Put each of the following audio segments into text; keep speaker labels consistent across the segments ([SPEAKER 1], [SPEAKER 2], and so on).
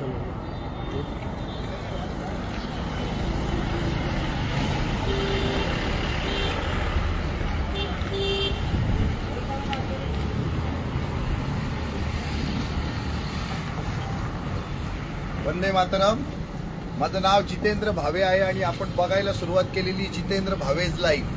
[SPEAKER 1] वंदे मातरम. माझं नाव जितेंद्र भावे आहे आणि आपण बघायला सुरुवात केलेली जितेंद्र भावेज लाईव्ह.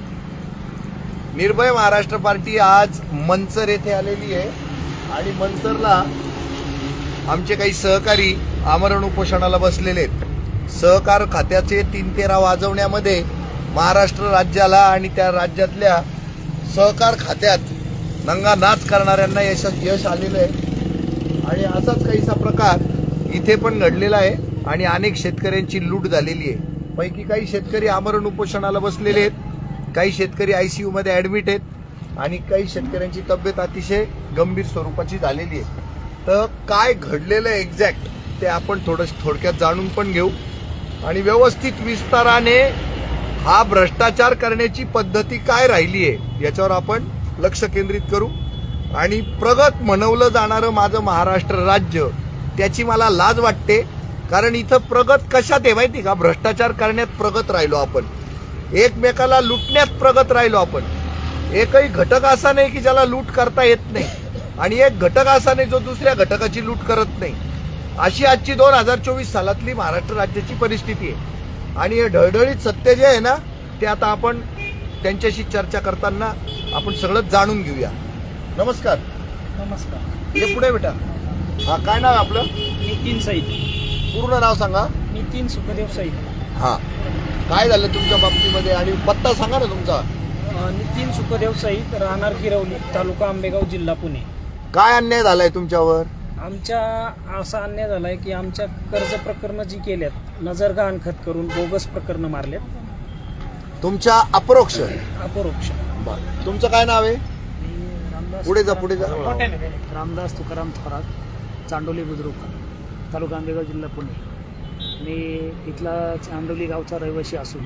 [SPEAKER 1] निर्भय महाराष्ट्र पार्टी आज मंचर येथे आलेली आहे आणि मंचरला आमचे काही सहकारी आमरण उपोषणाला बसलेले आहेत. सहकार खात्याचे 3-13 वाजवण्यामध्ये महाराष्ट्र राज्याला आणि त्या राज्यातल्या सहकार खात्यात नंगा नाच करणाऱ्यांना यश आलेलं आहे आणि असाच काहीसा प्रकार इथे पण घडलेला आहे आणि अनेक शेतकऱ्यांची लूट झालेली आहे. पैकी काही शेतकरी आमरण उपोषणाला बसलेले आहेत, काही शेतकरी ICU मध्ये ऍडमिट आहेत आणि काही शेतकऱ्यांची तब्येत अतिशय गंभीर स्वरूपाची झालेली आहे. तर काय घडलेलं आहे एक्झॅक्ट ते आपण थोडक्यात जाणून पण घेऊ आणि व्यवस्थित विस्ताराने हा भ्रष्टाचार करण्याची पद्धती काय राहिली आहे याच्यावर आपण लक्ष केंद्रित करू. आणि प्रगत म्हणवलं जाणारं माझं महाराष्ट्र राज्य त्याची मला लाज वाटते, कारण इथं प्रगत कशात आहे माहिती का? भ्रष्टाचार करण्यात प्रगत राहिलो आपण, एकमेकाला लुटण्यात प्रगत राहिलो आपण. एकही घटक असा नाही की ज्याला लूट करता येत नाही आणि एक घटक असा नाही जो दुसऱ्या घटकाची लूट करत नाही. अशी आजची 2024 सालातली महाराष्ट्र राज्याची परिस्थिती आहे आणि हे ढळढळीत सत्य जे आहे ना ते आता आपण त्यांच्याशी चर्चा करताना आपण सगळं जाणून घेऊया. नमस्कार.
[SPEAKER 2] नमस्कार.
[SPEAKER 1] हे पुढे बेटा. हा, काय नाव आहे आपलं?
[SPEAKER 2] नितीन सईद.
[SPEAKER 1] पूर्ण नाव सांगा.
[SPEAKER 2] नितीन सुखदेव सईद.
[SPEAKER 1] हा, काय झालं तुमच्या बाबतीमध्ये आणि पत्ता सांगा ना तुमचा.
[SPEAKER 2] नितीन सुखदेव सईद, राहणार गिरवली, तालुका आंबेगाव, जिल्हा पुणे.
[SPEAKER 1] काय अन्याय झालाय तुमच्यावर?
[SPEAKER 2] आमच्या असा अन्याय झालाय की आमच्या कर्ज प्रकरणं जी केल्यात नजर गहाणखत करून बोगस प्रकरणं मारल्यात.
[SPEAKER 1] तुमच्या अपरोक्ष
[SPEAKER 2] अपरोक्ष.
[SPEAKER 1] तुमचं काय नाव आहे? पुढे जा, पुढे जा.
[SPEAKER 2] रामदास तुकाराम थोरात, चांडोली बुद्रुक, तालुका आंबेगाव, जिल्हा पुणे. मी इथला चांडोली गावचा रहिवासी असून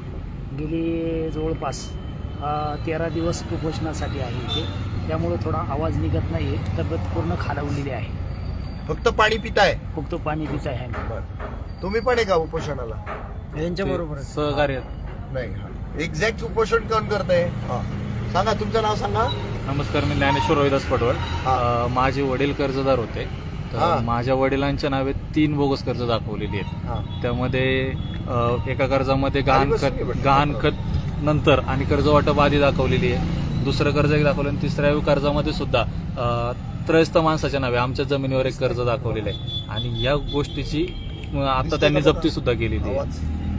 [SPEAKER 2] गेली जवळपास 13 दिवस कुपोषणासाठी आहे इथे. त्यामुळे थोडा आवाज निघत नाही आहे, तब्येत पूर्ण खालावलेली आहे.
[SPEAKER 1] फक्त पाणी पिताय?
[SPEAKER 2] फक्त पाणी पित आहे.
[SPEAKER 1] तुम्ही पण आहे का उपोषणाला?
[SPEAKER 2] यांच्या बरोबर
[SPEAKER 3] सहकार्य
[SPEAKER 1] नाही. एक्झॅक्ट उपोषण कोण करताय? सांगा, तुमचं नाव सांगा.
[SPEAKER 3] नमस्कार, मी ज्ञानेश्वर रोहिदास पटवळ. माझे वडील कर्जदार होते, तर माझ्या वडिलांच्या नावे 3 बोगस कर्ज दाखवलेली आहेत. त्यामध्ये एका कर्जामध्ये गहाणखत नंतर आणि कर्ज वाटप आधी दाखवलेली आहे, दुसरं कर्ज एक दाखवलं आणि तिसऱ्या कर्जामध्ये सुद्धा त्रयस्थ माणसाच्या नावे आमच्या जमिनीवर एक कर्ज दाखवलेलं आहे आणि या गोष्टीची आता त्यांनी जप्ती सुद्धा केलेली आहे.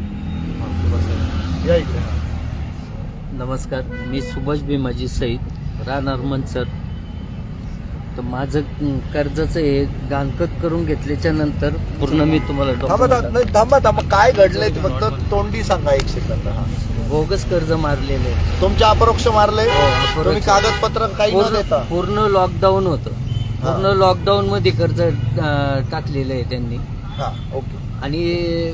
[SPEAKER 4] नमस्कार, मी सुभाष भीमाजी सईद, राहणार मंचर. तर माझं कर्जाचं हे गहाणखत करून घेतल्याच्या नंतर पूर्ण मी तुम्हाला
[SPEAKER 1] थांबा, काय घडलंय ते फक्त तोंडी सांगा 1 सेकंद.
[SPEAKER 4] बोगस कर्ज मारलेले.
[SPEAKER 1] तुमच्या अपरोक्ष मारले? तुम्ही कागदपत्र काही न देता?
[SPEAKER 4] पूर्ण लॉकडाऊन होतं. पूर्ण लॉकडाऊन मध्ये कर्ज टाकलेलं आहे त्यांनी.
[SPEAKER 1] ओके.
[SPEAKER 4] आणि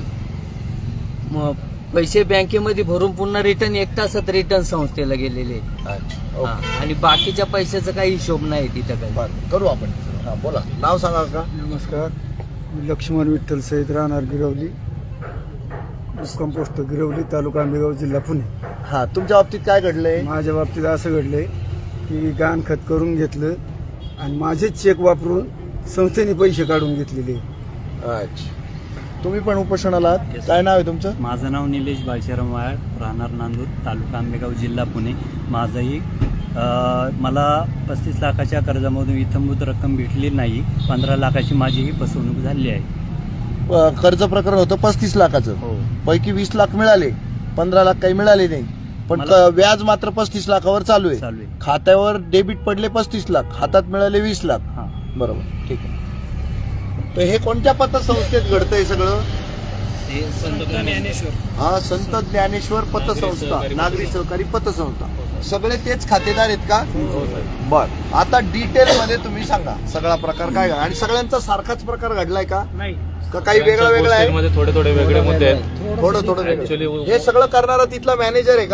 [SPEAKER 4] पैसे बँकेमध्ये भरून पुन्हा रिटर्न 1 तासात रिटर्न संस्थेला गेलेले. आणि बाकीच्या पैशाचा काही हिशोब नाही तिथं काही.
[SPEAKER 1] करू आपण. बोला, नाव सांगा का?
[SPEAKER 5] नमस्कार, मी लक्ष्मण विठ्ठल सईद, राहणार गिरवली, कंपोस्ट गिरवली, तालुका आंबेगाव, जिल्हा पुणे.
[SPEAKER 1] तुमच्या बाबतीत काय घडलंय?
[SPEAKER 5] माझ्या बाबतीत असं घडलंय की गहाणखत करून घेतलं आणि माझेच चेक वापरून संस्थेने पैसे काढून घेतलेले.
[SPEAKER 1] अच्छा, तुम्ही पण उपोषणाला आहात? काय नाव आहे तुमचं?
[SPEAKER 6] माझं नाव निलेश बाळशाराम वायाळ, राहणार नांदूर, तालुका आंबेगाव, जिल्हा पुणे. माझंही मला 35 लाखाच्या कर्जामधून इत्यंभूत रक्कम भेटली नाही. 15 लाखाची माझीही फसवणूक झाली आहे.
[SPEAKER 1] कर्ज प्रकरण होतं 35 लाखाचं.
[SPEAKER 6] हो.
[SPEAKER 1] पैकी 20 लाख मिळाले, 15 लाख काही मिळाले नाही. पण व्याज मात्र 35 लाखावर चालू आहे. खात्यावर डेबिट पडले 35 लाख, हातात मिळाले 20 लाख. बरोबर, ठीक आहे. तर हे कोणत्या पतसंस्थेत घडतंय सगळं?
[SPEAKER 2] संत ज्ञानेश्वर.
[SPEAKER 1] संत ज्ञानेश्वर पतसंस्था, नागरी सहकारी पतसंस्था. सगळे तेच खातेदार आहेत का? बर. आता डिटेल मध्ये तुम्ही सांगा सगळा प्रकार काय आणि सगळ्यांचा सारखाच प्रकार घडलाय का?
[SPEAKER 2] नाही,
[SPEAKER 1] काही वेगळा वेगळा आहे?
[SPEAKER 3] थोडे वेगळे मुद्दे आहेत.
[SPEAKER 1] थोडं हे सगळं करणारा तिथला मॅनेजर आहे का?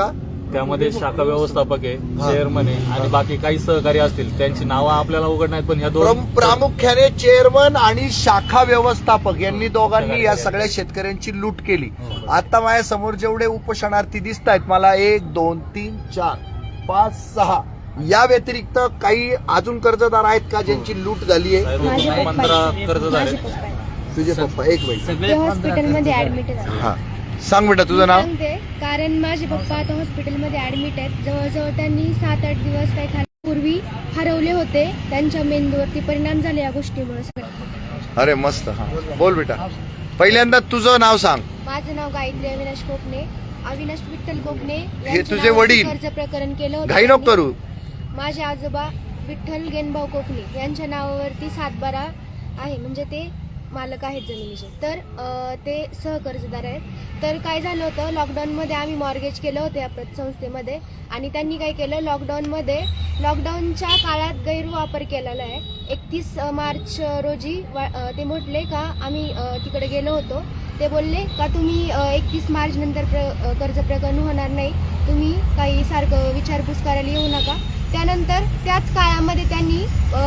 [SPEAKER 3] त्यामध्ये शाखा व्यवस्थापक आहे, चेअरमन आहे आणि बाकी काही सहकारी असतील. त्यांची नावं आपल्याला उघड नाहीत, पण ह्या दोन
[SPEAKER 1] प्रामुख्याने चेअरमन आणि शाखा व्यवस्थापक यांनी दोघांनी या सगळ्या शेतकऱ्यांची लूट केली. आता माझ्या समोर जेवढे उपोषणार्थी दिसत आहेत मला 1, 2, 3, 4, 5, 6 या व्यतिरिक्त काही अजून कर्जदार आहेत का ज्यांची लूट झाली आहे?
[SPEAKER 3] 15 कर्जदार आहेत.
[SPEAKER 1] तुझे पप्पा एक बाई
[SPEAKER 7] ते हॉस्पिटलमध्ये ऍडमिट आहेत.
[SPEAKER 1] हा सांग बेटा तुझं नाव.
[SPEAKER 7] सांगते, कारण माझे पप्पा आता हॉस्पिटलमध्ये ऍडमिट आहेत. जवळजवळ त्यांनी 7-8 दिवस काही खाण्यापूर्वी हरवले होते. त्यांच्या मेंदूवरती परिणाम झाले या गोष्टीमुळे.
[SPEAKER 1] अरे मस्त. हा बोल बेटा. पहिल्यांदा तुझं नाव सांग.
[SPEAKER 7] माझं नाव गायत्री अविनाश कोकणे. अविनाश विठ्ठल कोकणे
[SPEAKER 1] हे
[SPEAKER 7] यांच्या
[SPEAKER 1] तुझे
[SPEAKER 7] नावावरती
[SPEAKER 1] वडील?
[SPEAKER 7] कर्ज प्रकरण केलं होतं.
[SPEAKER 1] घाई नको करू.
[SPEAKER 7] माझे आजोबा विठ्ठल गेनभाऊ कोकणे यांच्या नावावरती 7/12 आहे, म्हणजे ते मालक आहेत जमिनीचे. तर ते सहकर्जदार आहेत. तर काय झालं होतं, लॉकडाऊनमध्ये आम्ही मॉर्गेज केलं होतं या संस्थेमध्ये. आणि त्यांनी काय केलं, लॉकडाऊनच्या काळात गैरवापर केलेला आहे. 31 मार्च रोजी ते म्हटले का आम्ही तिकडे गेलो होतो. ते बोलले का तुम्ही 31 मार्च नंतर कर्ज प्रकरण होणार नाही, तुम्ही काही सारखं विचारपूस करायला येऊ नका. त्यानंतर त्याच काळामध्ये त्यांनी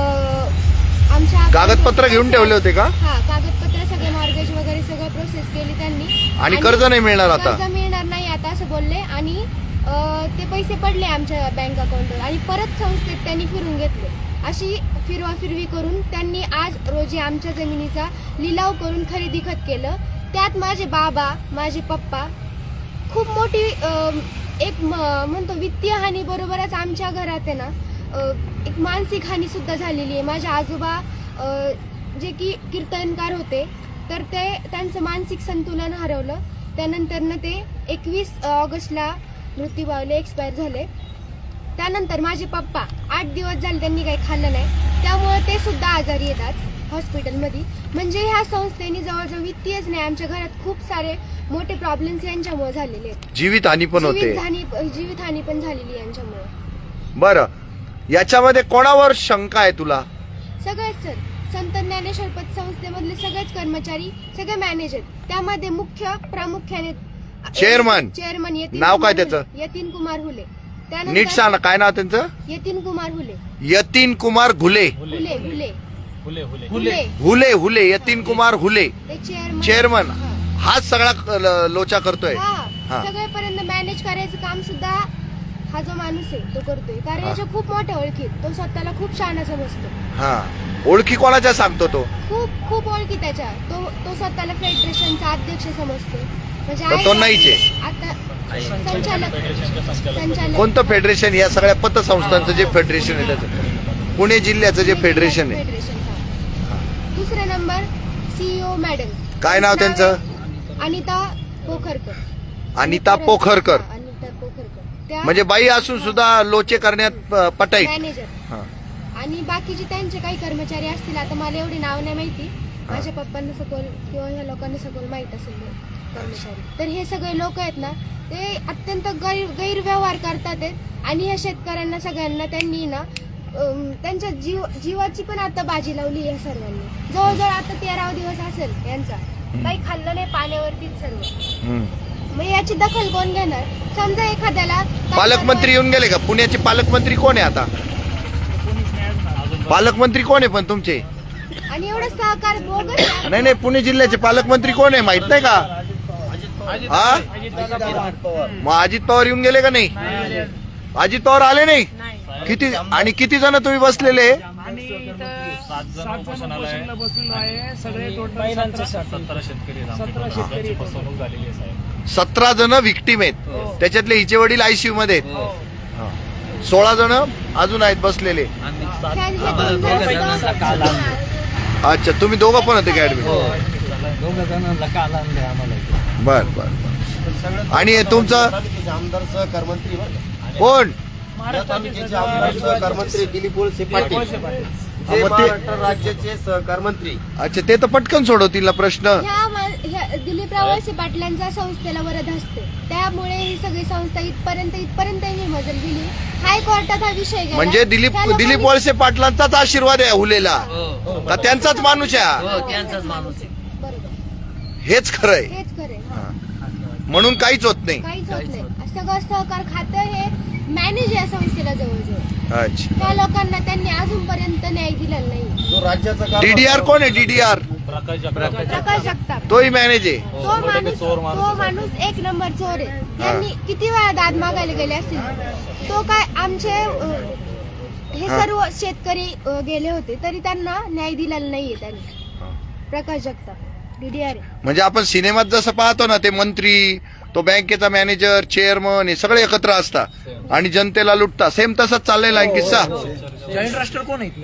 [SPEAKER 7] आमच्या
[SPEAKER 1] कागदपत्र घेऊन ठेवले होते का?
[SPEAKER 7] हा, कागदपत्र सगळे मॉर्गेज वगैरे सगळं प्रोसेस केली त्यांनी.
[SPEAKER 1] आणि कर्ज नाही मिळणार आता?
[SPEAKER 7] कर्ज मिळणार नाही आता असं बोलले. आणि ते पैसे पडले आमच्या बँक अकाउंटवर आणि परत संस्थेत त्यांनी फिरून घेतले. अशी फिरवाफिरवी करून त्यांनी आज रोजी आमच्या जमिनीचा लिलाव करून खरेदी खत केलं. त्यात माझे बाबा, माझे पप्पा खूप मोठी एक म्हणतो वित्तीय हानी बरोबरच आमच्या घरात आहे ना एक मानसिक हानी सुद्धा झालेली आहे. माझे आजोबा जे की कीर्तनकार होते, तर ते त्यांचं मानसिक संतुलन हरवलं. त्यानंतर ते 21 ऑगस्टला मृत्यू पावले, एक्सपायर झाले. त्यानंतर माझे पप्पा 8 दिवस झाले त्यांनी काही खाल्लं नाही, त्यामुळे ते सुद्धा आजारी येतात हॉस्पिटलमध्ये. म्हणजे ह्या संस्थेने जवळजवळ वित्तीयच नाही, आमच्या घरात खूप सारे मोठे प्रॉब्लेम्स यांच्यामुळे झालेले आहेत.
[SPEAKER 1] जीवितहानी पण होते.
[SPEAKER 7] जीवितहानी पण झालेली यांच्यामुळे.
[SPEAKER 1] बरं, याच्यामध्ये कोणावर शंका आहे तुला?
[SPEAKER 7] सगळेच सर, संत ज्ञानेश्वर पतसंस्थेमधले सगळेच कर्मचारी, सगळे मॅनेजर, त्यामध्ये प्रामुख्याने
[SPEAKER 1] चेअरमन नाव काय त्याचं?
[SPEAKER 7] यतीन कुमार हुले.
[SPEAKER 1] नीट सांग, काय नाव त्यांचं?
[SPEAKER 7] यतीन कुमार हुले.
[SPEAKER 1] यतीन कुमार घुले.
[SPEAKER 7] हुले हुले
[SPEAKER 3] हुले हुले
[SPEAKER 7] हुले
[SPEAKER 1] हुले हुले यतीन कुमार हुले
[SPEAKER 7] ते
[SPEAKER 1] चेअरमन. हाच सगळा लोचा करतोय. हा.
[SPEAKER 7] सगळेपर्यंत मॅनेज करायचं काम सुद्धा हा जो माणूस आहे तो करतोय. कारण याच्या खूप मोठ्या ओळखी, तो स्वतःला खूप शहाणा समजतो.
[SPEAKER 1] हा, ओळखी कोणाच्या सांगतो तो?
[SPEAKER 7] खूप ओळखी त्याच्या. तो स्वतःला फेडरेशनचा अध्यक्ष समजतो. म्हणजे
[SPEAKER 1] तर तो नाहीच आहे.
[SPEAKER 7] आता संचालक
[SPEAKER 1] कोणतं फेडरेशन? या सगळ्या पतसंस्थांचं जे फेडरेशन आहे त्याचं, पुणे जिल्ह्याचं जे फेडरेशन आहे.
[SPEAKER 7] दुसरा नंबर CEO मॅडम.
[SPEAKER 1] काय नाव त्यांचं?
[SPEAKER 7] अनिता पोखरकर.
[SPEAKER 1] अनिता पोखरकर.
[SPEAKER 7] अनिता पोखरकर त्या
[SPEAKER 1] म्हणजे बाई असून सुद्धा लोचे करण्यात पटाईत.
[SPEAKER 7] मॅनेजर.
[SPEAKER 1] हा.
[SPEAKER 7] आणि बाकीचे त्यांचे काही कर्मचारी असतील, आता मला एवढी नाव नाही माहिती. माझ्या पप्पांना सखोल किंवा ह्या लोकांना सखोल माहित असेल कर्मचारी. तर हे सगळे लोक आहेत ना, ते अत्यंत गैरव्यवहार करतात आहेत. आणि ह्या शेतकऱ्यांना सगळ्यांना त्यांनी ना त्यांच्या जीवाची पण आता बाजी लावली या सर्वांनी. जवळजवळ आता 13वा दिवस असेल यांचा, काही खाल्लं नाही, पाण्यावरतीच सर्व. मग याची दखल कोण घेणार? समजा एखाद्याला
[SPEAKER 1] पालकमंत्री येऊन गेले का? पुण्याचे पालकमंत्री कोण आहे आता? पालकमंत्री कोण आहे पण तुमचे?
[SPEAKER 7] आणि एवढं सहकार बोगस.
[SPEAKER 1] नाही, पुणे जिल्ह्याचे पालकमंत्री कोण आहे माहित नाही का? हा, मग अजित पवार येऊन गेले का नाही? अजित पवार आले नाही? किती जण तुम्ही बसलेले?
[SPEAKER 2] आणि इथं 7 जण बसलेलो आहे. सगळे टोटल
[SPEAKER 3] 17 शेतकरी फसवणूक झालेली आहे साहेब.
[SPEAKER 1] 17 जण विक्टीम आहेत. त्याच्यातले हिचे वडील ICU मध्ये आहेत. 16 जण अजून आहेत बसलेले. अच्छा, तुम्ही दोघं पण होते का ऍडमिट?
[SPEAKER 4] दोघं जणांना काल आणले आम्हाला.
[SPEAKER 1] बर. आणि हे तुमचं
[SPEAKER 8] आमदार सहकारमंत्री
[SPEAKER 1] कोण?
[SPEAKER 8] सहकारमंत्री दिलीप वळसे पाटील, राज्याचे सहकारमंत्री.
[SPEAKER 1] अच्छा, ते तर पटकन सोडवतील ना प्रश्न.
[SPEAKER 7] ह्या दिलीपराव वळसे पाटलांचा संस्थेला वरद असते, त्यामुळे ही सगळी संस्था इथपर्यंत ही मजल गेली. हायकोर्टात हा विषय गेला.
[SPEAKER 1] म्हणजे दिलीप वळसे पाटलांचाच आशीर्वाद आहे हुलेला का त्यांचाच माणूस आहे?
[SPEAKER 4] त्यांचाच माणूस आहे.
[SPEAKER 7] बरोबर,
[SPEAKER 1] हेच खरंय.
[SPEAKER 7] हेच खरे.
[SPEAKER 1] म्हणून काहीच होत नाही.
[SPEAKER 7] काहीच होत नाही. सगळं सहकार खातं हे मॅनेज या संस्थेला जवळजवळ.
[SPEAKER 1] अच्छा.
[SPEAKER 7] त्या लोकांना त्यांनी अजूनपर्यंत न्याय दिलेला नाही.
[SPEAKER 8] जो राज्याचा कारभार-
[SPEAKER 1] डीडीआर कोण आहे? डीडीआर
[SPEAKER 3] प्रकाश जगताप.
[SPEAKER 7] प्रकाश जगताप
[SPEAKER 1] तोही मॅनेज आहे.
[SPEAKER 7] तो माणूस एक नंबर चोर आहे. त्यांनी किती वेळा दाद मागायला गेले असतील. तो काय आमचे हे सर्व शेतकरी गेले होते तरी त्यांना न्याय दिलेला नाहीये त्यांनी. प्रकाश जगताप डीडीआर.
[SPEAKER 1] म्हणजे आपण सिनेमात जसं पाहतो ना, ते मंत्री, तो बँकेचा मॅनेजर, चेअरमन हे सगळे एकत्र असतात आणि जनतेला लुटतात. सेम तसंच चाललेला आहे किस्सा.
[SPEAKER 2] जॉईंट राष्ट्र कोण आहे इथले?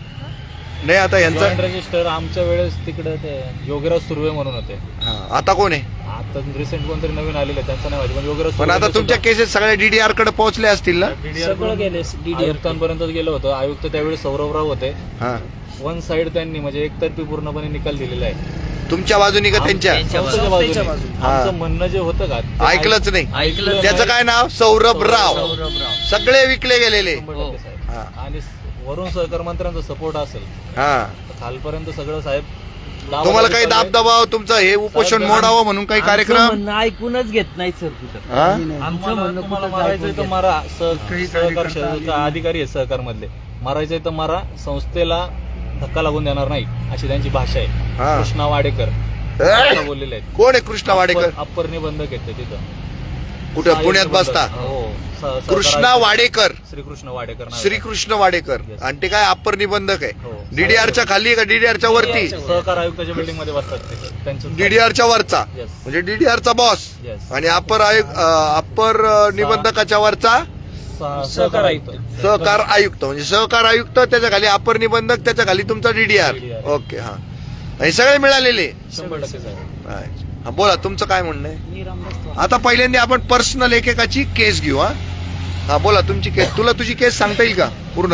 [SPEAKER 1] नाही आता यांचा
[SPEAKER 3] जॉईंट रजिस्टर आमच्या वेळेस तिकडे ते योगीराज सुर्वे म्हणून होते.
[SPEAKER 1] आता कोण आहे?
[SPEAKER 3] आता रिसेंट कोणतरी नवीन आलेले त्यांचं नाही माहिती, पण योगीराज
[SPEAKER 1] पण आता तुमच्या केसेस सगळ्या डीडीआर कडे पोहोचले असतील ना?
[SPEAKER 2] सगळं गेले
[SPEAKER 3] आयुक्तांपर्यंत गेलं होतं. आयुक्त त्यावेळेस सौरभराव होते.
[SPEAKER 1] हा.
[SPEAKER 3] वन साइड त्यांनी म्हणजे एकतर्फी पूर्णपणे निकाल दिलेला आहे.
[SPEAKER 1] तुमच्या बाजूनी का त्यांच्या?
[SPEAKER 3] संस्थेच्या बाजूने. आमचं म्हणणं जे होतं का ते
[SPEAKER 1] ऐकलंच नाही.
[SPEAKER 4] ऐकलं
[SPEAKER 1] त्याचं काय नाव? सौरभ राव. सगळे विकले गेलेले.
[SPEAKER 3] 100% साहेब.
[SPEAKER 1] हा.
[SPEAKER 3] आणि वरून सहकार मंत्र्यांचा सपोर्ट असेल
[SPEAKER 1] हा.
[SPEAKER 3] तर खालपर्यंत सगळं साहेब
[SPEAKER 1] तुम्हाला काही दाबदबाव, तुमचं हे उपोषण मोडावं म्हणून काही
[SPEAKER 4] आमचं
[SPEAKER 1] कार्यक्रम?
[SPEAKER 4] म्हणणं ऐकूनच घेत नाही सर कुठं.
[SPEAKER 1] हा?
[SPEAKER 4] आमचं म्हणणं
[SPEAKER 3] तुम्हाला
[SPEAKER 4] कुठं
[SPEAKER 3] मारायचंय तर मारा. सहकार क्षेत्राचा अधिकारी आहे सहकार मधले. मारायचंय तर मारा. संस्थेला धक्का लागून देणार नाही अशी त्यांची भाषा आहे.
[SPEAKER 1] हा.
[SPEAKER 3] कृष्णा वाडेकर असं बोललेले आहेत.
[SPEAKER 1] कोण आहे कृष्णा वाडेकर?
[SPEAKER 3] अप्पर निबंधक आहेत ते तिथं.
[SPEAKER 1] कुठं? पुण्यात बसता?
[SPEAKER 3] हो.
[SPEAKER 1] कृष्णा वाडेकर.
[SPEAKER 3] श्रीकृष्ण वाडेकर नाव आहे.
[SPEAKER 1] श्रीकृष्ण वाडेकर.
[SPEAKER 3] Yes.
[SPEAKER 1] आणि ते काय अप्पर निबंधक
[SPEAKER 3] हो.
[SPEAKER 1] आहे? डीडीआरच्या खाली आहे का डीडीआरच्या वरती?
[SPEAKER 3] सहकार आयुक्ताच्या बिल्डिंग मध्ये बसतात ते. त्यांचं
[SPEAKER 1] डीडीआरच्या वरचा
[SPEAKER 3] Yes.
[SPEAKER 1] म्हणजे डीडीआरचा बॉस.
[SPEAKER 3] Yes.
[SPEAKER 1] आणि अप्पर निबंधकाच्या वरचा
[SPEAKER 3] सहकार आयुक्त.
[SPEAKER 1] सहकार आयुक्त. म्हणजे सहकार आयुक्त, त्याच्या खाली अप्पर निबंधक, त्याच्या खाली तुमचा डीडीआर.
[SPEAKER 3] DDR.
[SPEAKER 1] ओके. हा. हे सगळे मिळालेले.
[SPEAKER 3] 100% साहेब.
[SPEAKER 1] हा, बोला तुमचं काय म्हणणं आहे?
[SPEAKER 2] मी रामदास थोरात.
[SPEAKER 1] आता पहिल्यांदा आपण पर्सनल एकेकाची केस घेऊ. हा बोला तुमची केस. तुला तुझी केस सांगता येईल का पूर्ण?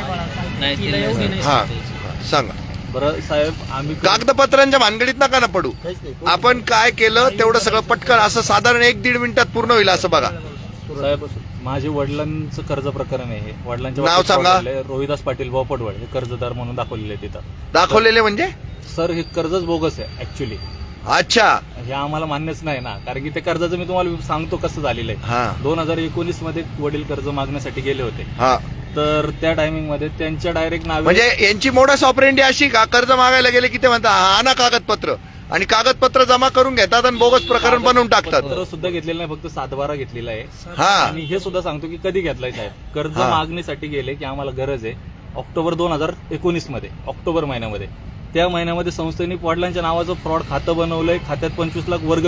[SPEAKER 4] नाही
[SPEAKER 2] तिला
[SPEAKER 4] ते
[SPEAKER 2] एवढी
[SPEAKER 4] नाही.
[SPEAKER 2] नाही
[SPEAKER 1] हा सांगा.
[SPEAKER 3] बरं साहेब आम्ही
[SPEAKER 1] कागदपत्रांच्या भानगडीत नका ना पडू. आपण काय केलं तेवढं सगळं पटकन असं साधारण 1-1.5 मिनिटात पूर्ण होईल असं बघा.
[SPEAKER 3] साहेब माझे वडिलांचं कर्ज प्रकरण आहे हे. वडिलांच्या
[SPEAKER 1] नाव
[SPEAKER 3] बाबतीत
[SPEAKER 1] सांगा.
[SPEAKER 3] fraud झालंय. रोहिदास पाटील बोपटवड हे कर्जदार म्हणून दाखवलेले तिथं.
[SPEAKER 1] दाखवलेले म्हणजे?
[SPEAKER 3] सर हे कर्जच बोगस आहे ऍक्च्युली.
[SPEAKER 1] अच्छा.
[SPEAKER 3] हे आम्हाला मान्यच नाही ना, कारण की ते कर्जाचं मी तुम्हाला सांगतो कसं झालेलं आहे.
[SPEAKER 1] हा.
[SPEAKER 3] 2019 मध्ये वडील कर्ज मागण्यासाठी गेले होते.
[SPEAKER 1] हा.
[SPEAKER 3] तर त्या टायमिंग मध्ये त्यांच्या डायरेक्ट नावे
[SPEAKER 1] म्हणजे यांची मोडस ऑपरेंडी अशी का, कर्ज मागायला गेले की ते म्हणतात हा ना कागदपत्र, आणि कागदपत्र जमा करून घेतात आणि बोगस प्रकरण बनवून टाकतात.
[SPEAKER 3] पत्र सुद्धा घेतलेलं नाही, फक्त 7/12 घेतलेला आहे.
[SPEAKER 1] हा.
[SPEAKER 3] आणि हे सुद्धा सांगतो की कधी घेतलाय साहेब. कर्ज
[SPEAKER 1] हा.
[SPEAKER 3] मागणीसाठी गेले की आम्हाला गरज आहे. ऑक्टोबर 2019 मध्ये, ऑक्टोबर महिन्यामध्ये, त्या महिन्यामध्ये संस्थेने वडिलांच्या नावाचं फ्रॉड खातं बनवलंय. खात्यात 25 लाख वर्ग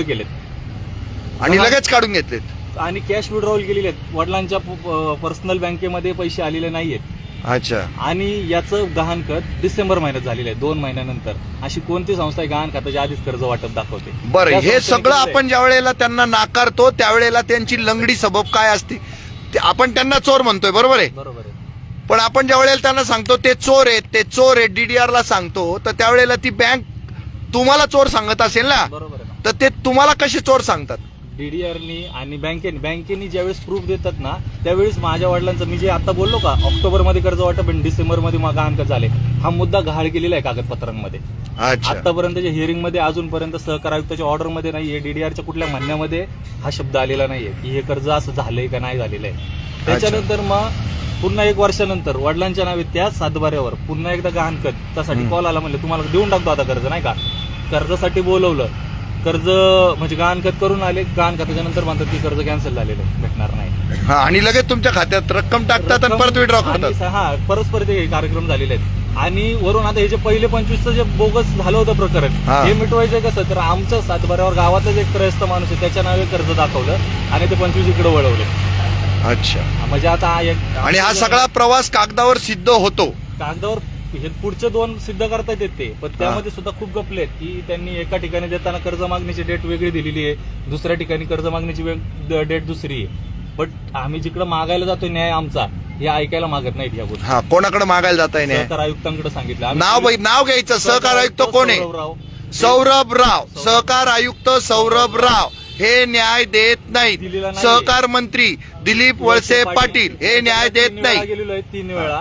[SPEAKER 3] केलेत
[SPEAKER 1] आणि लगेच काढून घेतलेत.
[SPEAKER 3] आणि कॅश विड्रॉवल केलेले आहेत. वडिलांच्या पर्सनल बँकेमध्ये पैसे आलेले नाहीयेत.
[SPEAKER 1] अच्छा.
[SPEAKER 3] आणि याचं गहाणखत डिसेंबर महिन्यात झालेलं आहे, 2 महिन्यानंतर. अशी कोणती संस्था आहे गहाण खात्याच्या आधीच कर्ज वाटप दाखवते?
[SPEAKER 1] बरं,
[SPEAKER 3] त्या
[SPEAKER 1] हे
[SPEAKER 3] संस्थेने
[SPEAKER 1] सगळं
[SPEAKER 3] केलेलं आहे.
[SPEAKER 1] आपण ज्या वेळेला त्यांना नाकारतो त्यावेळेला त्यांची लंगडी सबब काय असते ते आपण त्यांना चोर म्हणतोय, बरोबर आहे?
[SPEAKER 3] बरोबर आहे.
[SPEAKER 1] पण आपण ज्या वेळेला त्यांना सांगतो ते चोर आहेत, ते चोर आहेत, डीडीआर ला सांगतो, तर त्यावेळेला ती बँक तुम्हाला चोर सांगत असेल ना,
[SPEAKER 3] बरोबर आहे ना.
[SPEAKER 1] तर ते तुम्हाला कसे चोर सांगतात?
[SPEAKER 3] डीडीआरनी आणि बँकेनी ज्यावेळेस प्रूफ देतात ना, त्यावेळेस माझ्या वडिलांचं, मी जे आता बोललो का, ऑक्टोबरमध्ये कर्ज वाटप आणि डिसेंबरमध्ये गहाणखत झाले, हा मुद्दा गहाळ केलेला आहे कागदपत्रांमध्ये.
[SPEAKER 1] अच्छा.
[SPEAKER 3] आतापर्यंतच्या हिअरिंग मध्ये अजूनपर्यंत सहकार आयुक्ताच्या ऑर्डर मध्ये नाहीये, डीडीआरच्या कुठल्या म्हणण्यामध्ये हा शब्द आलेला नाहीये की हे कर्ज असं झालंय का नाही झालेलं आहे. त्याच्यानंतर मग पुन्हा 1 वर्षानंतर वडिलांच्या नावे त्या 7/12 पुन्हा एकदा गहाणखत त्यासाठी कॉल आला, म्हणले तुम्हाला देऊन टाकतो आता कर्ज, नाही का. कर्जासाठी बोलवलं, कर्ज म्हणजे गहाणखत करून आले, गहाणखताच्या नंतर म्हणतात की कर्ज कॅन्सल झालेलं आहे, भेटणार नाही.
[SPEAKER 1] हा, आणि लगेच तुमच्या खात्यात रक्कम टाकतात आणि परत विड्रॉ करतात.
[SPEAKER 3] हा, परस्पर ते कार्यक्रम झालेले आहेत. आणि वरून आता हे जे पहिले 25चं जे बोगस झालं होतं प्रकरण,
[SPEAKER 1] हा.
[SPEAKER 3] हे मिटवायचं कसं, तर आमचं 7/12 गावातच एक त्रयस्थ माणूस आहे, त्याच्या नावे कर्ज दाखवलं आणि ते 25 इकडे वळवले.
[SPEAKER 1] अच्छा.
[SPEAKER 3] म्हणजे आता
[SPEAKER 1] आणि हा सगळा प्रवास कागदावर सिद्ध होतो.
[SPEAKER 3] कागदावर हे पुढचे 2 सिद्ध करता येते ते, पण त्यामध्ये सुद्धा खूप गपले आहेत की त्यांनी एका ठिकाणी देताना कर्ज मागणीची डेट वेगळी दिलेली आहे, दुसऱ्या ठिकाणी कर्ज मागणीची डेट दुसरी आहे. बट आम्ही जिकडे मागायला जातोय न्याय आमचा, हे ऐकायला मागत नाहीत या गोष्टी.
[SPEAKER 1] हा, कोणाकडे मागायला जाताय नाही?
[SPEAKER 3] सहकार आयुक्तांकडे सांगितलं.
[SPEAKER 1] नाव घ्यायचं. सहकार आयुक्त कोण आहे?
[SPEAKER 3] सौरभराव.
[SPEAKER 1] सौरभ राव. सहकार आयुक्त सौरभ राव हे न्याय देत नाहीत.
[SPEAKER 3] दिलेला नाहीये.
[SPEAKER 1] सहकार मंत्री दिलीप वळसे पाटील हे न्याय देत
[SPEAKER 3] 3 वेळा
[SPEAKER 1] नाही.
[SPEAKER 3] गेलेलो आहे, 3 वेळा.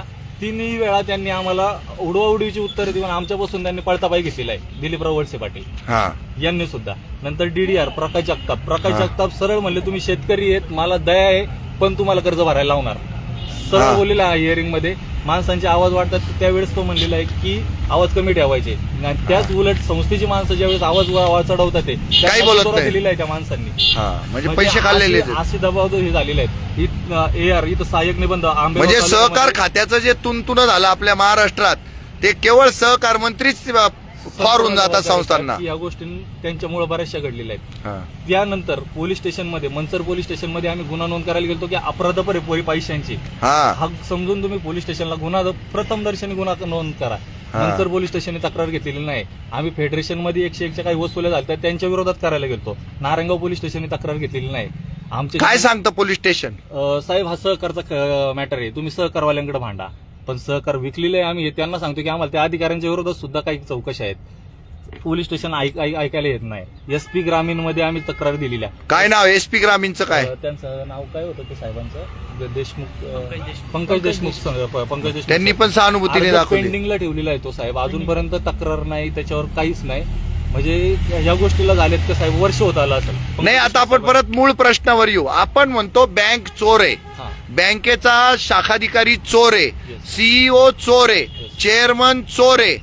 [SPEAKER 3] तिन्ही वेळा त्यांनी आम्हाला उडवाउडीची उत्तर देऊन आमच्यापासून त्यांनी पळता पाय घेतलेला आहे. दिलीपराव वळसे पाटील
[SPEAKER 1] हा
[SPEAKER 3] यांनी सुद्धा. नंतर DDR प्रकाश जगताप सरळ म्हणले तुम्ही शेतकरी आहेत, मला दया आहे, पण तुम्हाला कर्ज भरायला लावणार. सरळ बोललेला आहे हिअरिंग मध्ये. माणसांचे आवाज वाढतात त्यावेळेस तो म्हणलेला आहे की आवाज कमी ठेवायचे. आणि त्याच उलट संस्थेची माणसं ज्यावेळेस आवाज चढवतात ते
[SPEAKER 1] काही बोलत नाही.
[SPEAKER 3] दिलेला आहे त्या माणसांनी.
[SPEAKER 1] म्हणजे पैसे खाल्लेले
[SPEAKER 3] असे दबाव हे झालेले आहेत. AR इथं सहाय्यक निबंध आंबेगाव
[SPEAKER 1] म्हणजे सहकार
[SPEAKER 3] तालुक्यामध्ये-
[SPEAKER 1] खात्याचं जे तुंतुन झालं आपल्या महाराष्ट्रात ते केवळ सहकार मंत्रीच फार होऊन जातात संस्थांना.
[SPEAKER 3] या गोष्टी त्यांच्यामुळे बऱ्याचशा घडलेल्या आहेत.
[SPEAKER 1] हा.
[SPEAKER 3] त्यानंतर पोलीस स्टेशनमध्ये मंचर पोलीस स्टेशनमध्ये आम्ही गुन्हा नोंद करायला गेलो की अपराधपर आहे पैशांची.
[SPEAKER 1] हा
[SPEAKER 3] हा समजून तुम्ही पोलीस स्टेशनला गुन्हा प्रथम दर्शनी गुन्हा नोंद करा. मंचर पोलीस स्टेशनने तक्रार घेतलेली नाही. आम्ही फेडरेशनमध्ये 101च्या काही वसुल्या झाल्या त्यांच्या विरोधात करायला गेलो. नारायणगाव पोलीस स्टेशनने तक्रार घेतलेली नाही. आमचे
[SPEAKER 1] काय सांगतं पोलीस स्टेशन?
[SPEAKER 3] साहेब हा सहकारचा मॅटर आहे, तुम्ही सहकारवाल्यांकडे भांडा. पण सहकार विकलेले आहे आम्ही, हे त्यांना सांगतो की आम्हाला त्या अधिकाऱ्यांच्या विरोधात सुद्धा काही चौकशी आहेत. पोलीस स्टेशन ऐकायला येत नाही. SP ग्रामीण मध्ये आम्ही तक्रार दिलेल्या.
[SPEAKER 1] काय नाव SP ग्रामीणचं काय?
[SPEAKER 3] त्यांचं नाव काय होतं ते साहेबांचं? देशमुख, पंकज देशमुख.
[SPEAKER 1] त्यांनी पण सहानुभूतीने दाखवली.
[SPEAKER 3] पेंडिंगला ठेवलेला आहे तो साहेब, अजूनपर्यंत तक्रार नाही, त्याच्यावर काहीच नाही. म्हणजे या गोष्टीला झालेत का साहेब वर्ष होत आलं असेल.
[SPEAKER 1] नाही, आता आपण परत मूळ प्रश्नावर येऊ. आपण म्हणतो बँक चोर आहे, बँकेचा शाखाधिकारी चोर आहे, CEO चोर आहे, चेअरमन चोर आहे,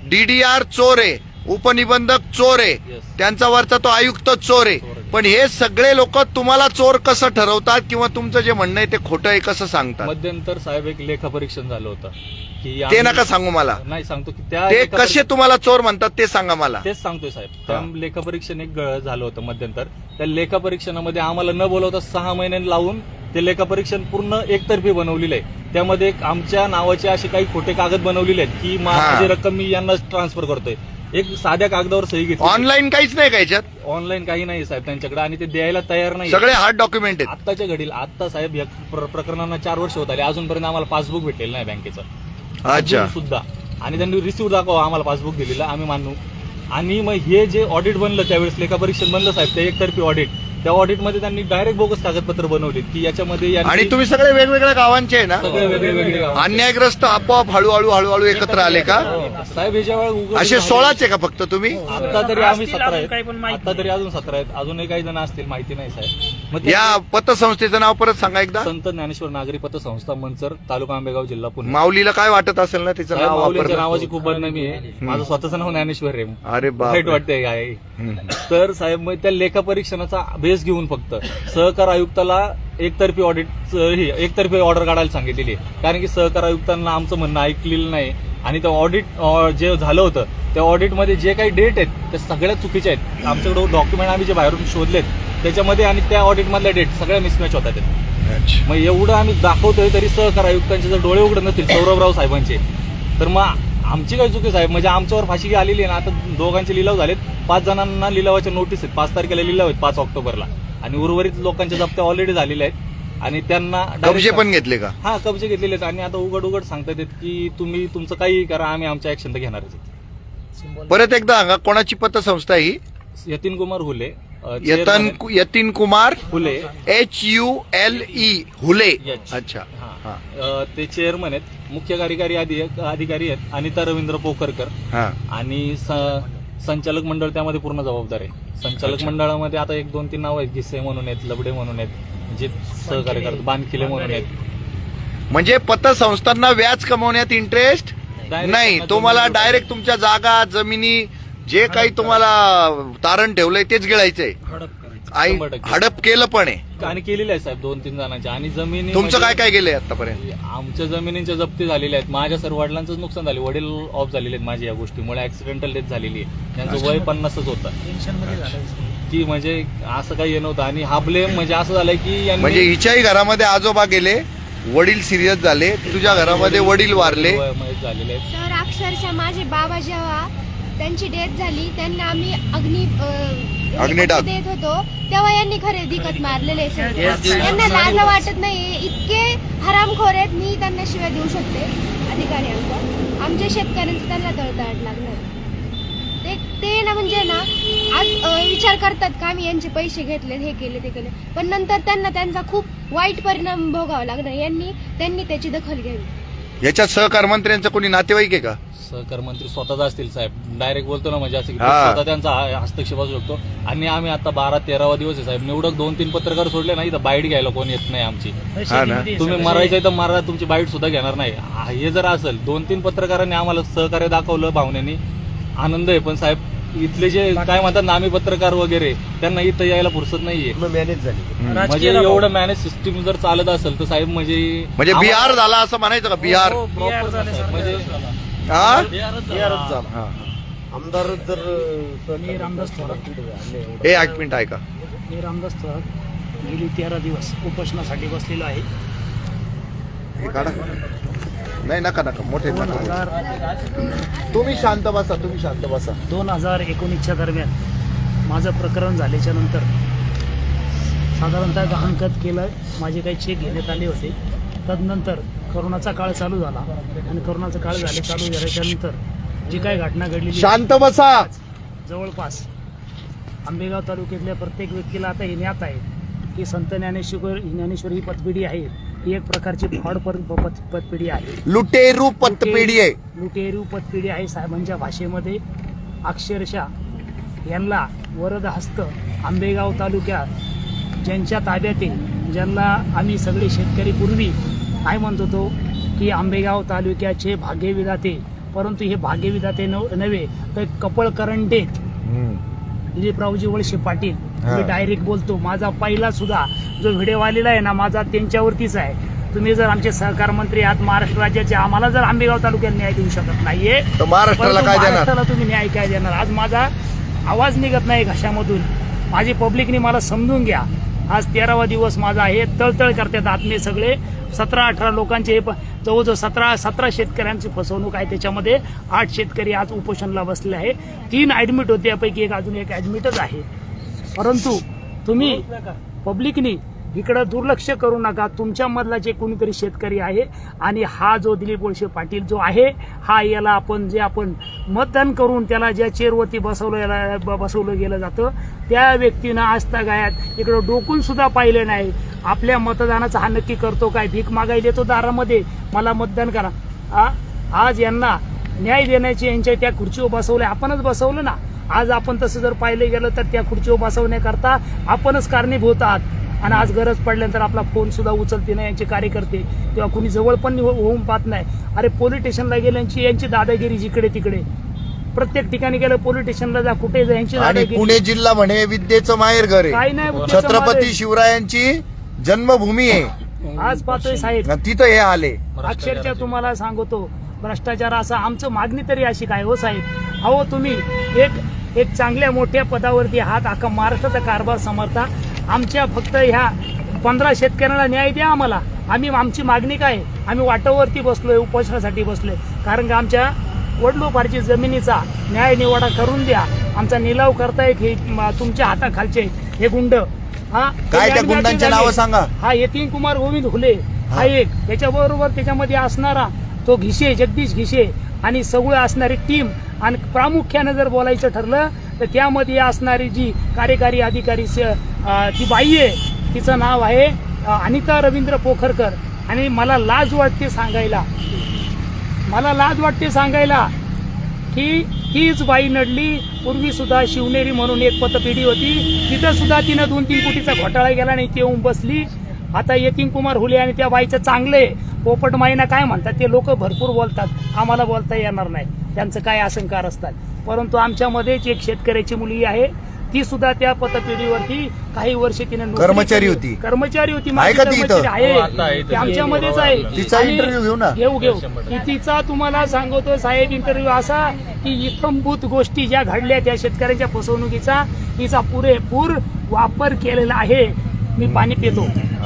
[SPEAKER 1] DDR चोर आहे, उपनिबंधक चोर आहे, त्यांचा वरचा तो आयुक्त चोर आहे. पण हे सगळे लोक तुम्हाला चोर कसं ठरवतात किंवा तुमचं जे म्हणणं आहे ते खोटं आहे कसं सांगतात?
[SPEAKER 3] मध्यंतर साहेब एक लेखापरीक्षण झालं होतं की
[SPEAKER 1] ते नका सांगू मला.
[SPEAKER 3] नाही सांगतो की त्या
[SPEAKER 1] ते कसे तुम्हाला चोर म्हणतात ते सांगा मला.
[SPEAKER 3] तेच सांगतोय साहेब. त्या लेखापरीक्षण एक झालं होतं मध्यंतर. त्या लेखापरीक्षणामध्ये आम्हाला न बोलवता 6 महिने लावून ते लेखापरीक्षण पूर्ण एकतर्फी बनवलेलं आहे. त्यामध्ये आमच्या नावाचे असे काही खोटे कागद बनवलेले आहेत की माझी रक्कम मी यांना ट्रान्सफर करतोय. एक साध्या कागदावर सही घेतली.
[SPEAKER 1] ऑनलाईन काहीच नाही का याच्यात?
[SPEAKER 3] ऑनलाईन काही नाही साहेब त्यांच्याकडे, आणि ते द्यायला तयार नाही.
[SPEAKER 1] सगळे हार्ड डॉक्युमेंट आहेत.
[SPEAKER 3] आत्ताच्या घडीला आता साहेब या प्रकरणांना 4 वर्ष होत आले, अजूनपर्यंत आम्हाला पासबुक भेटलेलं नाही बँकेचं.
[SPEAKER 1] अच्छा.
[SPEAKER 3] सुद्धा. आणि त्यांनी रिसिव्ह दाखवा आम्हाला पासबुक दिलेलं, आम्ही मानू. आणि मग हे जे ऑडिट बनलं त्यावेळेस लेखापरीक्षण बनलं साहेब, ते एकतर्फी ऑडिट, त्या ऑडिटमध्ये त्यांनी डायरेक्ट बोगस कागदपत्र बनवली की याच्यामध्ये.
[SPEAKER 1] आणि तुम्ही सगळे वेगवेगळ्या गावांचे आहे ना?
[SPEAKER 3] सगळे वेगळे
[SPEAKER 1] अन्यायग्रस्त आपोआप हळूहळू एकत्र आले का
[SPEAKER 3] साहेब? याच्या वेळेस
[SPEAKER 1] असे 16च आहे का फक्त तुम्ही?
[SPEAKER 3] आता तरी आम्ही 17 आहेत. आता तरी अजून 17 आहेत. अजूनही काही जण असतील, माहिती नाही साहेब. मग
[SPEAKER 1] या पतसंस्थेचं नाव परत सांगा एकदा.
[SPEAKER 3] संत ज्ञानेश्वर नागरी पतसंस्था मंचर, तालुका आंबेगाव, जिल्हा पुणे.
[SPEAKER 1] माऊलीला काय वाटत असेल ना तिचं नाव
[SPEAKER 3] माऊलीच्या
[SPEAKER 1] वापरलं?
[SPEAKER 3] नावाची खूप बदनामी आहे. माझं स्वतःचं नाव ज्ञानेश्वर आहे.
[SPEAKER 1] अरे
[SPEAKER 3] वाईट
[SPEAKER 1] बाप.
[SPEAKER 3] वाटतंय काय. तर साहेब मग त्या लेखापरीक्षणाचा बेस घेऊन फक्त सहकार आयुक्ताला एकतर्फी ऑर्डर काढायला सांगितलेली आहे. कारण की सहकार आयुक्तांना आमचं म्हणणं ऐकलेलं नाही. आणि त्या ऑडिट जे झालं होतं त्या ऑडिटमध्ये जे काही डेट आहेत त्या सगळ्या चुकीच्या आहेत. आमच्याकडे डॉक्युमेंट आम्ही जे बाहेरून शोधलेत त्याच्यामध्ये आणि त्या ऑडिटमधल्या डेट सगळ्या मिसमॅच होतात. मग एवढं आम्ही दाखवतोय तरी सहकार आयुक्तांचे जर डोळे उघडत नसतील सौरभराव साहेबांचे, तर मग आमची काय चुकी साहेब? म्हणजे आमच्यावर फाशी आलेली आहे ना. आता दोघांचे लिलाव झालेत, 5 जणांना लिलावाच्या नोटीस आहेत. 5 तारखेला लिलाव आहेत, 5 ऑक्टोबरला. आणि उर्वरित लोकांच्या जप्त्या ऑलरेडी झालेल्या आहेत आणि त्यांना
[SPEAKER 1] कब्जे पण घेतले का?
[SPEAKER 3] हा, कब्जे घेतलेले आहेत. आणि आता उघड सांगतात की तुम्ही तुमचं काही करा, आम्ही आमच्या ऍक्शन तर घेणारच आहे.
[SPEAKER 1] परत एकदा सांगा, कोणाची पतसंस्था ही?
[SPEAKER 3] यतीन कुमार हुले.
[SPEAKER 1] यतीन कुमार
[SPEAKER 3] हुले,
[SPEAKER 1] HULE हुले.
[SPEAKER 3] Yes.
[SPEAKER 1] अच्छा.
[SPEAKER 3] ते चेअरमन आहेत. मुख्य कार्यकारी अधिकारी आहेत अनिता रवींद्र पोखरकर. आणि संचालक मंडळ त्यामध्ये पूर्ण जबाबदार आहे. संचालक मंडळामध्ये आता 1, 2, 3 नाव आहेत. गिसे म्हणून आहेत, लबडे म्हणून आहेत, जे सहकार्य करतात, बानखिले म्हणून आहेत.
[SPEAKER 1] म्हणजे पतसंस्थांना व्याज कमवण्यात इंटरेस्ट नाही. तुम्हाला डायरेक्ट तुमच्या जागा, जमिनी, जे काही तुम्हाला तारण ठेवलंय तेच गिळायचंय. हडप केलं पण आहे
[SPEAKER 3] आणि केलेलं आहे साहेब 2-3 जणांच्या. आणि जमिनी
[SPEAKER 1] तुमचं काय काय गेलंय आतापर्यंत?
[SPEAKER 3] आमच्या जमिनींच्या जप्ती झालेल्या आहेत. माझ्या सर्व वडिलांचं नुकसान झाले, वडील ऑफ झालेले आहेत माझ्या या गोष्टीमुळे. ऍक्सिडेंटल डेथ झालेली आहे. त्यांचं वय 50च होतं. की म्हणजे असं काही नव्हतं. आणि हा ब्लेम म्हणजे असं झालंय की
[SPEAKER 1] म्हणजे हिच्याही घरामध्ये आजोबा गेले, वडील सिरियस झाले, तुझ्या घरामध्ये वडील वारले
[SPEAKER 3] झालेले आहेत.
[SPEAKER 7] सर अक्षरशः माझे बाबा जेव्हा त्यांची डेथ झाली त्यांना आम्ही
[SPEAKER 1] अग्निडाग
[SPEAKER 7] देत होतो तेव्हा यांनी खरेदी खत मारलेले सर. त्यांना लाज वाटत नाही. इतके हरामखोर आहेत, मी त्यांना शिवाय देऊ शकते अधिकारी आमच्या शेतकऱ्यांचं त्यांना तळतळाट लागणार. ते ना म्हणजे ना आज विचार करतात का आम्ही यांचे पैसे घेतले, हे केले, ते केले, पण नंतर त्यांना त्यांचा खूप वाईट परिणाम भोगावा लागणार. त्यांनी त्याची दखल घ्यावी.
[SPEAKER 1] याच्यात सहकार मंत्र्यांचं कोणी नातेवाईक आहे का?
[SPEAKER 3] सहकार मंत्री स्वतःच असतील साहेब, डायरेक्ट बोलतो ना म्हणजे असं की
[SPEAKER 1] हा.
[SPEAKER 3] स्वतः त्यांचा हस्तक्षेप असू शकतो. आणि आम्ही आता 12-13वा दिवस आहे साहेब, निवडक 2-3 पत्रकार सोडले नाही तर बाईट घ्यायला कोणी येत नाही आमची.
[SPEAKER 1] हा ना.
[SPEAKER 3] तुम्ही मरायचं तर मारा, तुमची बाईट सुद्धा घेणार नाही. हे जर असेल 2-3 पत्रकारांनी आम्हाला सहकार्य दाखवलं भावनेनी, आनंद आहे. पण साहेब इथले जे काय म्हणतात नामी पत्रकार वगैरे त्यांना इथं यायला फुरसत नाहीये.
[SPEAKER 8] मॅनेज झाली.
[SPEAKER 3] म्हणजे एवढं मॅनेज सिस्टीम जर चालत असेल तर साहेब म्हणजे
[SPEAKER 1] बिहार झाला असं म्हणायचं का? बिहार
[SPEAKER 3] म्हणजे
[SPEAKER 1] हा?
[SPEAKER 8] बिहारच झाला.
[SPEAKER 1] हा.
[SPEAKER 8] आमदार जर
[SPEAKER 2] मी रामदास थोरात
[SPEAKER 1] एक मिनिट ऐका.
[SPEAKER 2] मी रामदास थोरात गेली 13 दिवस उपोषणासाठी बसलेलो आहे.
[SPEAKER 1] हे काढा. नाही नका मोठे नका.
[SPEAKER 2] 2019
[SPEAKER 1] तुम्ही शांत बसा.
[SPEAKER 2] 2019च्या दरम्यान माझं प्रकरण झाल्याच्या नंतर साधारणतः गहाणखत केलं, माझे काही चेक घेण्यात आले होते. तदनंतर करोनाचा काळ चालू झाला आणि करोनाचा काळ चालू झाल्याच्या नंतर जी काय घटना घडलेली
[SPEAKER 1] शांत बसा.
[SPEAKER 2] जवळपास आंबेगाव तालुक्यातल्या प्रत्येक व्यक्तीला आता हे ज्ञात आहे की संत ज्ञानेश्वर ही पतपिढी आहे. ही एक प्रकारची फ्रॉड पतपिढी आहे,
[SPEAKER 1] लुटेरू पतपिढी आहे.
[SPEAKER 2] लुटेरू पतपिढी आहे. साहेबांच्या भाषेमध्ये अक्षरशः यांना वरद हस्त आंबेगाव तालुक्यात ज्यांच्या ताब्यात आहे, ज्यांना आम्ही सगळे शेतकरी पूर्वी काय म्हणत होतो की आंबेगाव तालुक्याचे भाग्यविधाते, परंतु हे भाग्यविधाते नव्हे तर कपळ करंटे दिलीपरावजी वळसे पाटील. मी डायरेक्ट बोलतो, माझा पहिला सुद्धा जो व्हिडिओ आलेला आहे ना माझा त्यांच्यावरतीच आहे. तुम्ही जर आमचे सहकार मंत्री आहात महाराष्ट्र राज्याचे, आम्हाला जर आंबेगाव तालुक्यात न्याय देऊ शकत नाहीये
[SPEAKER 1] तर महाराष्ट्राला काय देणार?
[SPEAKER 2] महाराष्ट्राला तुम्ही न्याय काय देणार? आज माझा आवाज निघत नाही घशामधून. माझी पब्लिकने मला समजून घ्या. आज 13वा दिवस माझा आहे. तळतळ करतात आत्मे सगळे. 17-18 लोकांचे जवळजवळ 17 शेतकऱ्यांची फसवणूक आहे. त्याच्यामध्ये 8 शेतकरी आज उपोषणला बसले आहे. 3 ऍडमिट होते, यापैकी अजून एक ऍडमिटच आहे. परंतु तुम्ही पब्लिकनी इकडं दुर्लक्ष करू नका. तुमच्या मधला जे कोणीतरी शेतकरी आहे आणि हा जो दिलीप वळसे पाटील जो आहे, हा याला आपण मतदान करून त्याला ज्या चेअरवरती बसवलं गेलं जातं त्या व्यक्तीनं आजतागायत इकडं डोकून सुद्धा पाहिलं नाही. आपल्या मतदानाचा हा नक्की करतो काय? भीक मागायला येतो दारामध्ये, मला मतदान करा. आज यांना न्याय देण्याची यांच्या त्या खुर्चीवर बसवलं, आपणच बसवलं ना. आज आपण तसं जर पाहिलं गेलं तर त्या खुर्चीवर बसवण्याकरता आपणच कारणीभूत आहात. आणि आज गरज पडल्यानंतर आपला फोन सुद्धा उचलते नाही यांचे कार्यकर्ते, तेव्हा कुणी जवळ पण होऊन पाहत नाही. अरे पोलीस स्टेशनला गेल्यांची यांची दादागिरी जिकडे तिकडे, प्रत्येक ठिकाणी गेलं पोलीस स्टेशनला जा, कुठे जा, यांची
[SPEAKER 1] आणि
[SPEAKER 2] दादागिरी.
[SPEAKER 1] पुणे जिल्हा म्हणे विद्येचं माहेर घर आहे.
[SPEAKER 2] काही नाही,
[SPEAKER 1] छत्रपती शिवरायांची जन्मभूमी आहे.
[SPEAKER 2] आज पाहतोय साहेब,
[SPEAKER 1] तिथं हे आले.
[SPEAKER 2] अक्षरशः तुम्हाला सांगतो भ्रष्टाचार असा. आमचं मागणी तरी अशी काय हो साहेब? अहो तुम्ही एक चांगल्या मोठ्या पदावरती आहात, अख्खा महाराष्ट्राचा कारभार समर्था. आमच्या फक्त ह्या 15 शेतकऱ्यांना न्याय द्या आम्हाला. आमची मागणी काय? आम्ही वाटावरती बसलोय, उपोषणासाठी बसलोय, कारण का आमच्या वडलोपारची जमिनीचा न्याय निवाडा करून द्या. आमचा निलाव करतायत हे तुमच्या हाताखालचे हे गुंड.
[SPEAKER 1] काय त्या गुंडांची नावं सांगा?
[SPEAKER 2] हा यतीन कुमार गोविंद हुले हा एक, त्याच्याबरोबर त्याच्यामध्ये असणारा तो घिशे, जगदीश घिशे आणि सगळं असणारी टीम. आणि प्रामुख्यानं जर बोलायचं ठरलं तर त्यामध्ये असणारी जी कार्यकारी अधिकारी ती बाई आहे, तिचं नाव आहे अनिता रवींद्र पोखरकर. आणि मला लाज वाटते सांगायला की हीच बाई नडली. पूर्वी सुद्धा शिवनेरी म्हणून एक पतपेढी होती, तिथं सुद्धा तिनं 2-3 कोटीचा घोटाळा गेला नाही, ते येऊन बसली. आता यतीन कुमार हुले आणि त्या बाईचं चांगले पोपट माईना काय म्हणतात ते लोक भरपूर बोलतात, आम्हाला बोलता येणार नाही, त्यांचं काय आशंकार असतात. परंतु आमच्यामध्येच एक शेतकऱ्याची मुलगी आहे, ती सुद्धा त्या पतपेढीवरती काही वर्ष तिने
[SPEAKER 1] कर्मचारी होती.
[SPEAKER 2] माझी कर्मचारी आहे, ती आमच्यामध्येच आहे.
[SPEAKER 1] तिचा इंटरव्ह्यू घेऊ ना.
[SPEAKER 2] घेऊ. तिचा तुम्हाला सांगतो साहेब इंटरव्ह्यू असा की इत्थंभूत गोष्टी ज्या घडल्या त्या शेतकऱ्यांच्या फसवणुकीचा तिचा पुरेपूर वापर केलेला आहे. मी पाणी पितो.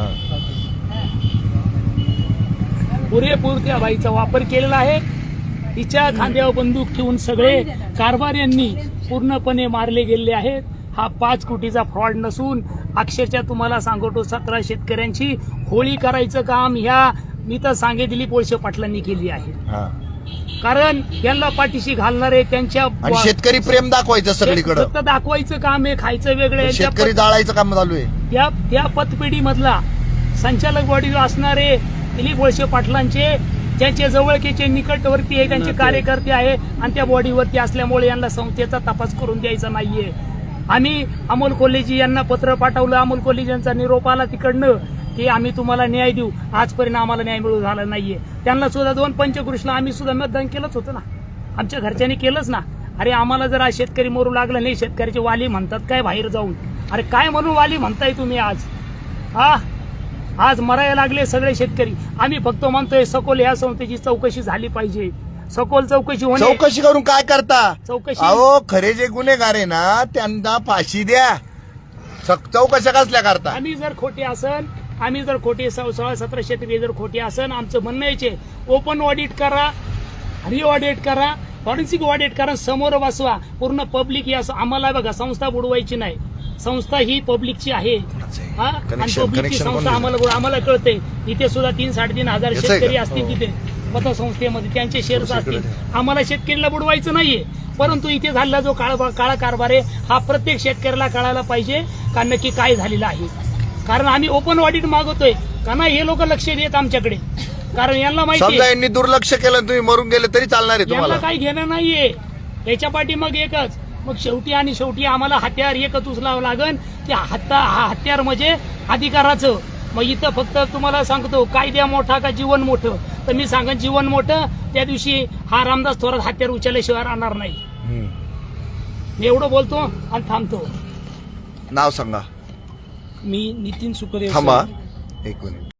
[SPEAKER 2] पुरेपूर त्या बाईचा वापर केलेला आहे. तिच्या खांद्यावर बंदूक ठेवून सगळे कारभाऱ्यांनी पूर्णपणे मारले गेले आहेत. हा 5 कोटीचा फ्रॉड नसून अक्षरशः तुम्हाला सांगतो 17 शेतकऱ्यांची होळी करायचं काम मी तर सांगे दिलीप वळसे पाटलांनी केली आहे. कारण यांना पाठीशी घालणारे त्यांच्या
[SPEAKER 1] शेतकरी प्रेम दाखवायचं सगळीकडे,
[SPEAKER 2] फक्त दाखवायचं काम आहे, खायचं वेगळं.
[SPEAKER 1] शेतकरी जाळायचं काम चालू आहे.
[SPEAKER 2] त्या पतपेढी मधला संचालक बॉडी असणारे दिलीप वळसे पाटलांचे ज्यांचे जवळकीचे निकटवर्ती आहे त्यांचे कार्यकर्ते आहे आणि त्या बॉडीवरती असल्यामुळे यांना संस्थेचा तपास करून द्यायचा नाहीये. आम्ही अमोल कोल्हेजी यांना पत्र पाठवलं. अमोल कोल्हेजी यांचा निरोप आला तिकडनं की आम्ही तुम्हाला न्याय देऊ. आजपर्यंत आम्हाला न्याय मिळू झाला नाहीये. त्यांना सुद्धा 2 पंचकृष्णला आम्ही सुद्धा मतदान केलंच होतं ना, आमच्या घरच्यांनी केलंच ना. अरे आम्हाला जर आज शेतकरी मरू लागला नाही, शेतकऱ्याचे वाली म्हणतात काय बाहेर जाऊन, अरे काय म्हणून वाली म्हणताय तुम्ही आज? आज मरायला लागले सगळे शेतकरी. आम्ही फक्त म्हणतोय सखोल या संस्थेची चौकशी झाली पाहिजे. सखोल चौकशी होणे.
[SPEAKER 1] चौकशी करून काय करता?
[SPEAKER 2] चौकशी
[SPEAKER 1] अहो खरे जे गुन्हेगार आहे ना त्यांना फाशी द्या. चौकशा कसल्या करता?
[SPEAKER 2] आम्ही जर खोटे 16-17 शेतकरी जर खोटे असन, आमचं म्हणणं याचे ओपन ऑडिट करा, रि ऑडिट करा, फॉरेन्सिक ऑडिट करा, समोर बसवा. पूर्ण पब्लिक या आम्हाला बघा संस्था बुडवायची नाही. संस्था ही पब्लिकची आहे आणि पब्लिकची संस्था आम्हाला कळते. इथे सुद्धा 3-3.5 हजार शेतकरी असतील तिथे पतसंस्थेमध्ये, त्यांचे शेअर्स असतील. आम्हाला शेतकऱ्याला बुडवायचं नाहीये, परंतु इथे झालेला जो काळा कारभार आहे हा प्रत्येक शेतकऱ्याला कळायला पाहिजे का नक्की काय झालेलं आहे. कारण आम्ही ओपन ऑडिट मागवतोय का नाही हे लोक लक्ष देत आमच्याकडे. कारण यांना माहिती
[SPEAKER 1] समजा यांनी दुर्लक्ष केलं तुम्ही मरून गेले तरी चालणार आहे तुम्हाला?
[SPEAKER 2] यांना काही घेणं नाहीये याच्या पाठी. मग एकच मग शेवटी आम्हाला हत्यार एकच उचलावं लागेल. ते हत्यार म्हणजे अधिकाराचं. मग इथं फक्त तुम्हाला सांगतो कायद्या मोठा का जीवन मोठं, तर मी सांगेन जीवन मोठं. त्या दिवशी हा रामदास थोरात हत्यार उचलल्याशिवाय राहणार नाही. मी एवढं बोलतो आणि थांबतो.
[SPEAKER 1] नाव सांगा.
[SPEAKER 2] मी नितीन सुकरे.
[SPEAKER 1] थांबा एक मिनिट.